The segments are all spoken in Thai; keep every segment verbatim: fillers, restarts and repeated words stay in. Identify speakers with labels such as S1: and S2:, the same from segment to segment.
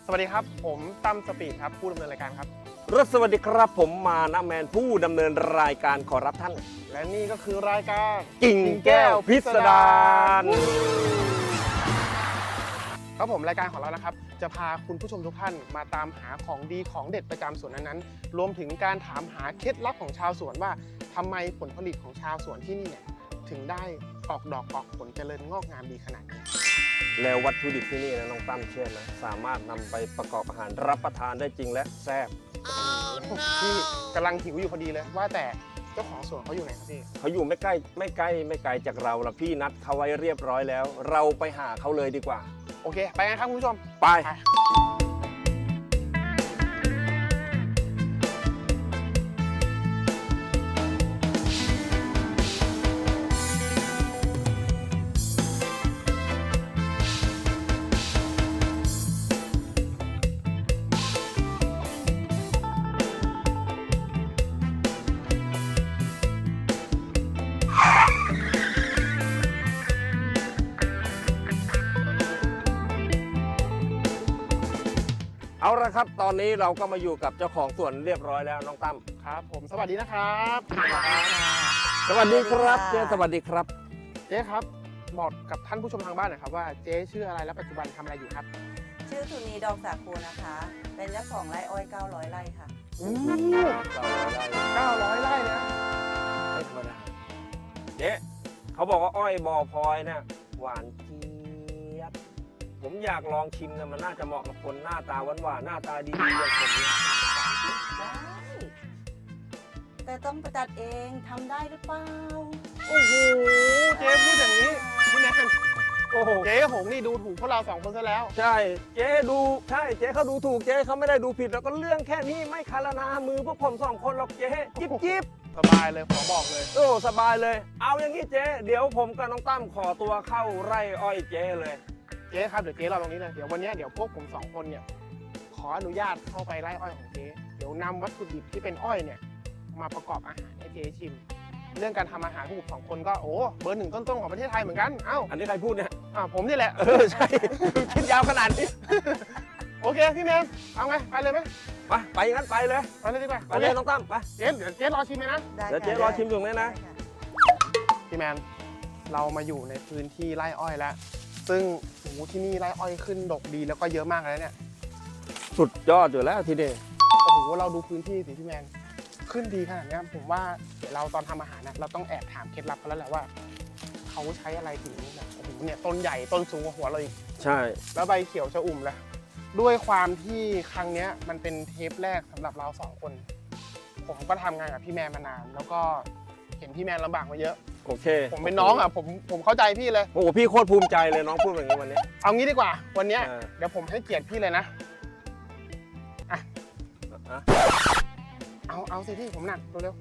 S1: วัสดีครับผมตั้มสปีดครับผู้ดำเนินรายการครับ
S2: รสวัสดีครับผมมานะแมนผู้ดำเนินรายการขอรับท่าน
S1: และนี่ก็คือรายการ
S2: กิ่งแก้วพิสดาร
S1: ครับผมรายการของเรานะครับจะพาคุณผู้ชมทุกท่านมาตามหาของดีของเด็ดประจำสวนนั้นๆรวมถึงการถามหาเคล็ดลับของชาวสวนว่าทำไมผลผลิตของชาวสวนที่นี่เนี่ยถึงได้ออกดอกออกผลเจริญงอกงามดีขนาดนี้
S2: แล้ววัตถุดิบที่นี่นะน้องตั้มเชื่อไหมสามารถนำไปประกอบอาหารรับประทานได้จริงและแซ่บ
S1: พี่กำลังหิวอยู่พอดีเลยว่าแต่เจ้าของสวนเขาอยู่ไหนครับพี่
S2: เขาอยู่ไม่ใกล้ไม่ใกล้ไม่ไกลจากเราละพี่นัดเขาไว้เรียบร้อยแล้วเราไปหาเขาเลยดีกว่า
S1: โอเคไปกันครับคุณผู้ชม
S2: ไปเอาละครับตอนนี้เราก็มาอยู่กับเจ้าของสวนเรียบร้อยแล้วน้องตั้ม
S1: ครับผมสวัสดีนะครับ
S2: สวัสดีครับเจ๊สวัสดีครับ
S1: เจ๊ครับบอกกับท่านผู้ชมทางบ้านหน่อยครับว่าเจ๊ชื่ออะไรและปัจจุบันทำอะไรอยู่ครับ
S3: ชื่อสุนีดอกสาคูนะคะเป็นเจ้าของไร่อ้อยเก้าร้อยไร่ค่ะ
S1: โอ้เก้าร้อยไร่นะ
S2: ไม่ธรรมดาเจ๊เขาบอกว่าอ้อยบ่อพลอยเนี่ยหวานเจี๊ยบผมอยากลองชิมนะมันน่าจะเหมาะกับคนหน้าตาหวานหวานหน้าตาดีๆอย่างผมเนี่ย
S3: ได้แต่ต้องประจัดเองทำได้หรือเปล่า
S1: โอ้โหเจ๊พูดอย่างนี้พี่แนนโอ้โหเจ๊หงนี่ดูถูกพวกเราสองคนซะแล้ว
S2: ใช่เจ๊ดูใช่เจ๊เขาดูถูกเจ๊เขาไม่ได้ดูผิดแล้วก็เรื่องแค่นี้ไม่คารนามือพวกผมสองคนหรอกเจ๊จิ๊บจิ๊บ
S1: สบายเลยขอบอกเลย
S2: โอ้สบายเลยเอาอย่างนี้เจ๊เดี๋ยวผมกับน้องตั้มขอตัวเข้าไร่อ้อยเจ๊เลย
S1: เจ๊ครับเดี๋ยวเจ๊รอตรงนี้เลยเดี๋ยววันนี้เดี๋ยวพวกผมสองคนเนี่ยขออนุญาตเข้าไปไร่อ้อยของเจ๊เดี๋ยวนำวัตถุดิบที่เป็นอ้อยเนี่ยมาประกอบอาหารให้เจ๊ชิมเรื่องการทำอาหารพวกผมสองคนก็โอ้เบอร์หนึ่งต้นๆของประเทศไทยเหมือนกันเอ้า
S2: อันนี้ใครพูดเนี่ย
S1: อ่าผมนี่แหละ
S2: เออใช่คิดยาวขนาดนี้
S1: โอเคพี่แมนเอาไงไปเลยไหม
S2: ไปไปงั้นไปเลย
S1: ไปเลยดีกว่า
S2: ไปเลยน้องตั้มไป
S1: เจ๊เดี๋ยวเจ๊รอชิมเลยนะ
S2: เดี๋ยวเจ๊รอชิมอยู่เลยนะ
S1: พี่แมนเรามาอยู่ในพื้นที่ไร่อ้อยแล้วซึ่งโอ้โหที่นี่ไร่อ้อยขึ้นดกดีแล้วก็เยอะมากเลยเนี่ย
S2: สุดยอดอยู่แล้วทีเดียว
S1: โอ้โหเราดูพื้นที่สิพี่แมนขึ้นดีขนาดนี้ผมว่าเดี๋ยวเราตอนทำอาหารนะเราต้องแอบถามเคล็ดลับเขาแล้วแหละว่าเขาใช้อะไรถึงแบบโอ้โหเนี่ยต้นใหญ่ต้นสูงกว่าหัวเราอีก
S2: ใช่
S1: แล้วใบเขียวชอุ่มเลยด้วยความที่ครั้งนี้มันเป็นเทปแรกสำหรับเราสองคนผมก็ทำงานกับพี่แมนมานานแล้วก็เห็นพี่แมนลำบากมาเยอะ
S2: โอเค
S1: ผมเป็นน้องอ่ะผมผมเข้าใจพี่เลย
S2: โอ้โหพี่โคตรภูมิใจเลยน้องพูดแบบนี้วันนี้
S1: เอางี้ดีกว่าวันนี้เดี๋ยวผมให้เกียรติพี่เลยนะอ่ะเอาเอาสิพี่ผมหนักเร็ว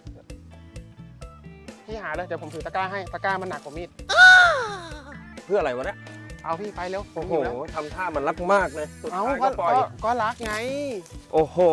S1: ๆพี่หาเลยเดี๋ยวผมถือตะกร้าให้ตะกร้ามันหนักกว่ามีด
S2: เพื่ออะไรวะเนี่ย
S1: เอาพี่ไปเร็ว
S2: โอ้โหทำท่ามันรักมากเลย
S1: สุดท้ายก็ปล่อยก็รักไง
S2: โอ้โห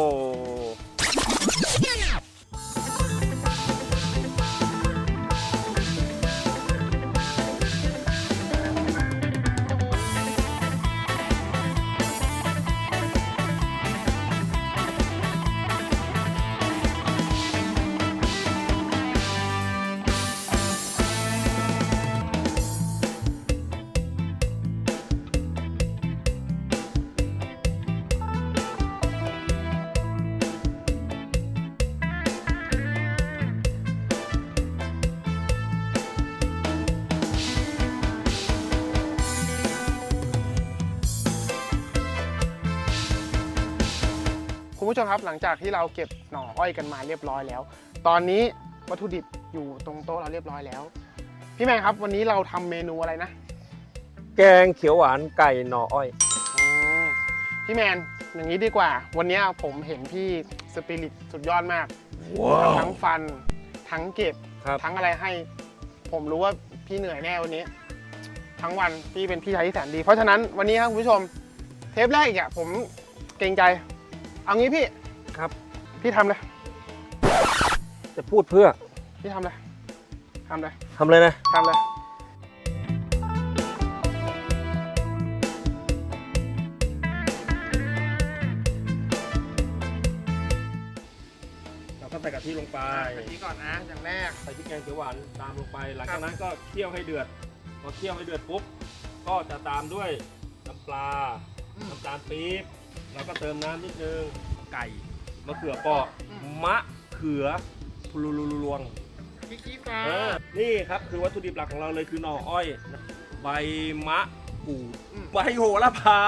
S1: คุณผู้ชมครับหลังจากที่เราเก็บหน่ออ้อยกันมาเรียบร้อยแล้วตอนนี้วัตถุดิบอยู่ตรงโต๊ะเราเรียบร้อยแล้วพี่แมนครับวันนี้เราทำเมนูอะไรนะ
S2: แกงเขียวหวานไก่หน่ออ้อย
S1: พี่แมนอย่างนี้ดีกว่าวันนี้ผมเห็นพี่สปิริตสุดยอดมาก wow. ทั้งฟันทั้งเก็บทั้งอะไรให้ผมรู้ว่าพี่เหนื่อยแน่วันนี้ทั้งวันพี่เป็นพี่ชายที่แสนดีเพราะฉะนั้นวันนี้ครับคุณผู้ชมเทปแรกอีกอ่ะผมเกรงใจเอางี้พี่
S2: ครับ
S1: พี่ทำเลย
S2: จะพูดเพื่อ
S1: พี่ทำเลยทำเลย
S2: ทำเลยนะ
S1: ทำเลย
S2: ทิลงไป
S1: กะทิก่อนนะอย่างแรก
S2: ใส่พริกแกงเขียวหวานตามลงไป หลังจากนั้นก็เคี่ยวให้เดือด พอเคี่ยวให้เดือดปุ๊บ ก็จะตามด้วยน้ำปลา
S1: อืม
S2: น้ำตาลปี๊บ แล้วก็เติมน้ำนิดนึง ไก่ มะเขือเปราะ
S1: อืม
S2: มะเขือพลูลูลวง
S1: พริกชี้ฟ้า
S2: เออนี่ครับคือวัตถุดิบหลักของเราเลยคือหน่ออ้อย ใบมะกรูด
S1: อืม
S2: ใบโหระพา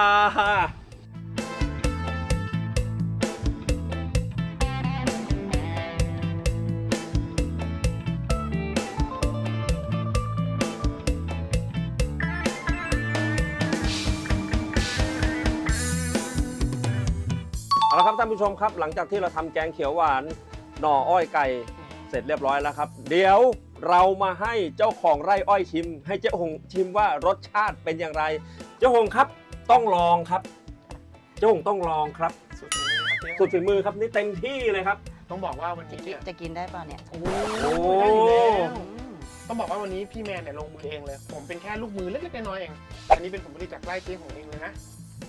S2: เอาละครับท่านผู้ชมครับ หลังจากที่เราทำแกงเขียวหวานหน่ออ้อยไก่เสร็จเรียบร้อยแล้วครับ เดี๋ยวเรามาให้เจ้าของไร่อ้อยชิม ให้เจ้าหงชิมว่ารสชาติเป็นอย่างไร เจ้าหงครับต้องลองครับ เจ้าหงต้องลองครับ
S1: สุดฝีมือครับเจ๊
S2: สุดฝีมือครับนี่เต็มที่เลยครับ
S1: ต้องบอกว่าวัน
S3: จะ
S1: นี้
S3: กิน
S1: เนี่ย
S3: จะกินได้เปล่าเนี่ย
S1: โอ้
S2: โอ้
S1: ได้อยู่แล้ว
S3: อืม
S1: ต้องบอกว่าวันนี้พี่แมนเนี่ยลงมือเองเลย ผมเป็นแค่ลูกมือเล็กๆน้อยๆเอง อันนี้เป็นผลผลิตจากไร่เจ๊ของเองเลยนะ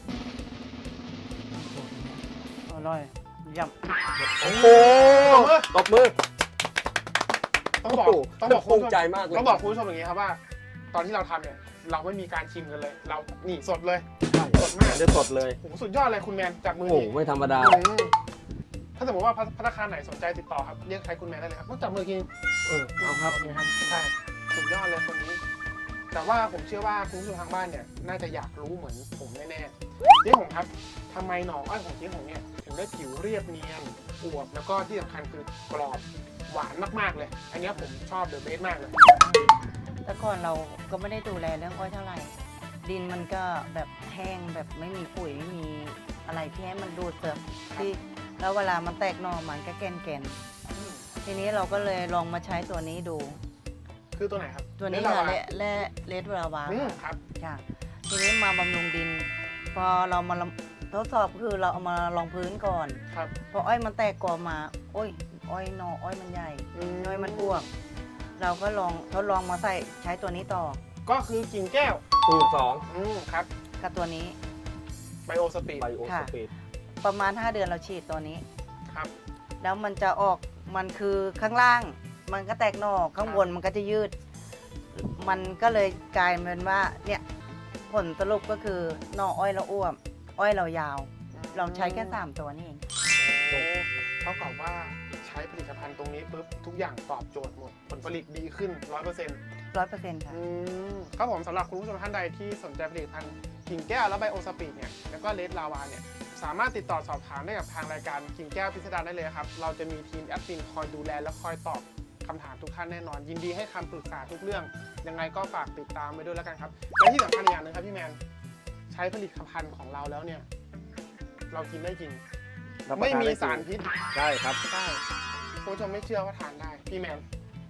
S3: อร่อยเยี่ยม
S2: โอ้โหตบมือ
S1: ต้องบอก
S2: โอ้โห
S1: ต้องบอก
S2: ภูมิใจมากเลย
S1: ต้องบอกคุณผู้ชมอย่างนี้ครับว่า ตอนที่เราทำเนี่ยเราไม่มีการชิมกันเลย เรานี่สดเลย สดมาก
S2: ได้สดเลย
S1: โอ้โหสุดยอดเลยคุณแมนจากมื
S2: โอ้
S1: อ
S2: โห
S1: นี่
S2: ไม่ธรรมดา
S1: อืมถ้าสมมติว่าพัฒนาคารไหนสนใจติดต่อครับเรียกใช้คุณแมนได้เลยครับต้องจับมือกิน
S2: เออเอาครับ
S1: โอเคครับใช่สุดยอดเลยคนนี้ แต่ว่าผมเชื่อว่าคุณผู้ชมทางบ้านเนี่ยน่าจะอยากรู้เหมือนผมแน่ๆเจ๊หงครับทำไมหน่ออ้อยของเจ๊หงเนี่ยถึงได้ผิวเรียบเนียนอวบแล้วก็ที่สำคัญคือกรอบหวานมากๆเลย อันเนี้ยผมชอบเดอะเบสมากเลย
S3: แต่ก่อนเราก็ไม่ได้ดูแลเรื่องอ้อยเท่าไหร่ ดินมันก็แบบแห้งแบบไม่มีปุ๋ยไม่มีอะไรที่ให้มันดูดเติมที่แล้วเวลามันแตกหน่อมันก็แกนแกน
S1: อืม
S3: ๆทีนี้เราก็เลยลองมาใช้ตัวนี้ดู
S1: คือตัวไหนครับ
S3: ตัวนี้
S1: เล
S3: ค่ะ
S1: วา
S3: และและเลดราวา
S1: อืมครับ
S3: ค่ะทีนี้มาบำรุงดิน พอเรามาทดสอบคือเราเอามาลองพื้นก่อน
S1: ครับ
S3: พออ้อยมันแตกกอมา โอ้ย อ้อยหนออ้อยมันใหญ่ อ้อยมันอ้วก เราก็ลองทดลองมาใส่ใช้ตัวนี้ต่อ
S1: ก็คือกิ่งแก้ว
S2: สูตรสอง
S1: อืมครับ
S3: กับตัวนี้
S1: ไบโอสปีด
S2: ไบโอสปีด
S3: ประมาณ ห้า เดือนเราฉีดตัวนี้
S1: ครับ
S3: แล้วมันจะออกมันคือข้างล่าง มันก็แตกหน่อข้างบนมันก็จะยืด มันก็เลยกลายเป็นว่าเนี่ยผลสรุปก็คือหน่ออ้อยเราอ้วม อ้อยเรายาว เราใช้แค่สามตัวนี่เอง
S1: โอ้เท่ากับว่าใช้ผลิตภัณฑ์ตรงนี้ปุ๊บทุกอย่างตอบโจทย์หมด ผลผลิตดีขึ้น ร้อยเปอร์เซ็นต์
S3: ร้อยเปอร์เซ็นต์ค่ะ
S1: ครับผมสำหรับคุณผู้ชมท่านใดที่สนใจผลิตภัณฑ์กิ่งแก้วและไบโอสปีดเนี่ยแล้วก็เลดลาวาเนี่ยสามารถติดต่อสอบถามได้กับทางรายการกิ่งแก้วพิสดารได้เลยครับ เราจะมีทีมแอดมินคอยดูแลและคอยตอบคำถามทุกท่านแน่นอน ยินดีให้คำปรึกษาทุกเรื่อง ยังไงก็ฝากติดตามไปด้วยแล้วกันครับและที่สำคัญอีกอย่างหนึงครับพี่แมนใช้ผลิตภัณฑ์ของเราแล้วเนี่ยเรากินได้จริง ไม่มีสารพิษ
S2: ใช่ครับ
S1: ใช่คุณผู้ชมไม่เชื่อว่าทานได้ พี่แมน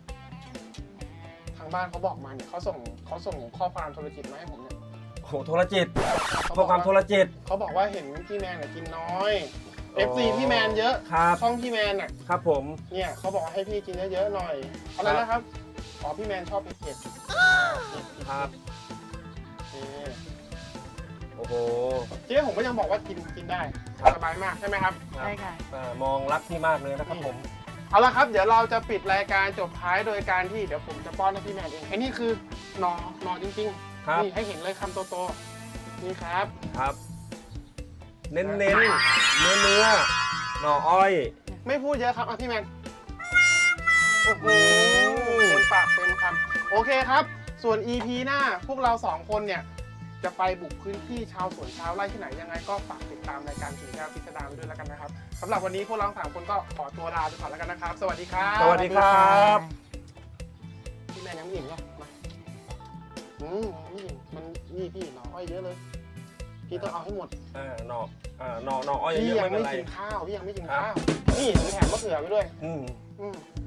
S1: ทางบ้านเขาบอกมาเนี่ยเขาส่งเขาส่งข้อความโทรจิตมาให้ผมเนี่ย
S2: โอ้โหโทรจิต
S1: เขา
S2: ข้อความโทรจิต
S1: เขาบอกว่าเห็นพี่แมนเนี่ยกินน้อย
S2: อ๋อ
S1: เอฟ ซี พี่แมนเยอะ
S2: ครับ
S1: ช่องพี่แมนน่ะ
S2: ครับผม
S1: เนี่ยเขาบอกว่าให้พี่กินเยอะๆหน่อยอะไร
S2: ครับ
S1: นะครับอ๋อพี่แมนชอบเผ็ดๆ
S2: ครับ
S1: เอ๊ะ
S2: โอ้โห
S1: เจ๊ผมก็ยังบอกว่ากินกินได้
S2: ครับ
S1: สบายมากใช่ไหมครับ
S3: ใช่ค่ะ
S2: อ่ามองรักพี่มากเลยนะครับผม
S1: เอาละครับเดี๋ยวเราจะปิดรายการจบท้ายโดยการที่เดี๋ยวผมจะป้อนให้พี่แมนเองไอ้นี่คือหนอหนอจริง
S2: ครับ
S1: ๆนี่ให้เห็นเลยคำโตๆนี่ครับ
S2: ครับ เน้นเน้นเนื้อเนื้อหน่ออ้อย
S1: ไม่พูดเยอะครับอ่ะพี่แมนโอ้โหเต็มปากเต็มคำโอเคครับ ส่วน อี พี หน้าพวกเราสองคนเนี่ยจะไปบุกพื้นที่ชาวสวนชาวไร่ที่ไหนยังไงก็ฝากติดตามรายการกิ่งแก้วพิสดารไปด้วยแล้วกันนะครับสำหรับวันนี้พวกเราสามคนก็ขอตัวลาไปก่อนแล้วกันนะครับ สวัสดีครับ
S2: สวัสดีครับ
S1: พี่แมนยังไม่อิ่มเหรอมาอืมไม่อิ่มมันนี่พี่หน่ออ้อยเยอะเลย พี่ต้องเอาให้หมด
S2: อ่าหน่ออ่าหน่อหน่ออ้อย
S1: พี่
S2: เยอะๆ
S1: ยั
S2: ไม่
S1: ง
S2: เป็น
S1: ไม่
S2: ไร
S1: กินข้าวพี่ยังไม่กิน
S2: ครับ
S1: ข้าวนี่ผมแถมมะเขือไปด้วย
S2: อืม
S1: อืม